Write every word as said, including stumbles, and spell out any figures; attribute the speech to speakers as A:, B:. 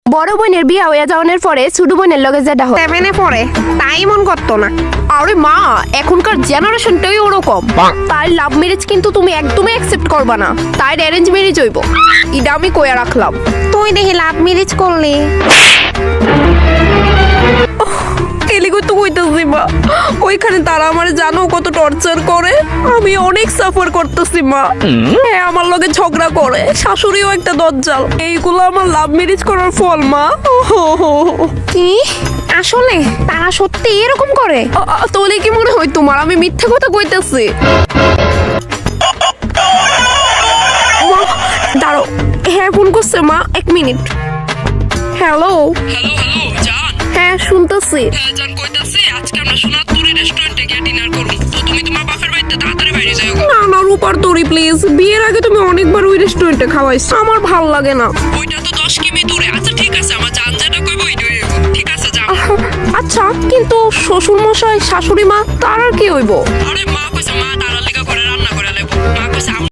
A: বড় বোনের বিয়া হইয়া যাওয়ার পরে ছোট বোনের লগে যেটা হয়
B: সেভেনে পড়ে তাই মন করতো না।
A: আরে মা, এখনকার জেনারেশনটাই ওরকম। তাই লাভ ম্যারেজ কিন্তু তুমি একদমই অ্যাকসেপ্ট করবা না, তাই অ্যারেঞ্জ ম্যারেজ হইব। এটা আমি কইয়া রাখলাম।
B: তুই দেখি লাভ ম্যারেজ করলি।
A: এলিগো তো কইতাছি মা, ওইখানে তারা আমার জানো কত টর্চার করে, আমি অনেক সাফার করতেছি মা। হ্যাঁ, আমার লগে ঝগড়া করে, শাশুড়িও একটা দজ্জাল। এইগুলো আমার লাভ ম্যারেজ করার ফল মা।
B: কি আসলে তারা সত্যি এরকম করে?
A: তোলে কি মনে হয় তোমার আমি মিথ্যে কথা কইতেছি? দাঁড়ো, হ্যাঁ ফোন করছে মা, এক মিনিট। হ্যালো
C: হ্যালো হ্যালো জান।
A: হ্যাঁ শুনতেছি।
C: হ্যাঁ জান, কইতাছি আজকে আমরা সোনারপুরি রেস্টুরেন্টে গিয়ে ডিনার করব। তো তুমি তোমার বাপের বাড়িতে তাড়াতাড়ি বাইরে যাও।
A: না না রূপার তরি প্লিজ, বিয়ের আগে তুমি অনেকবার ওই রেস্টুরেন্টে খাওয়াইছো, আমার ভাল লাগে না।
C: ওইটা তো দশ কিমি দূরে। আচ্ছা ঠিক আছে, আমার জান যেটা কইবো ওইটাই হইবো। ঠিক আছে যাও।
A: আচ্ছা, কিন্তু শ্বশুর মশাই শাশুড়ি মা তার আর কি হইব?
C: আরে মা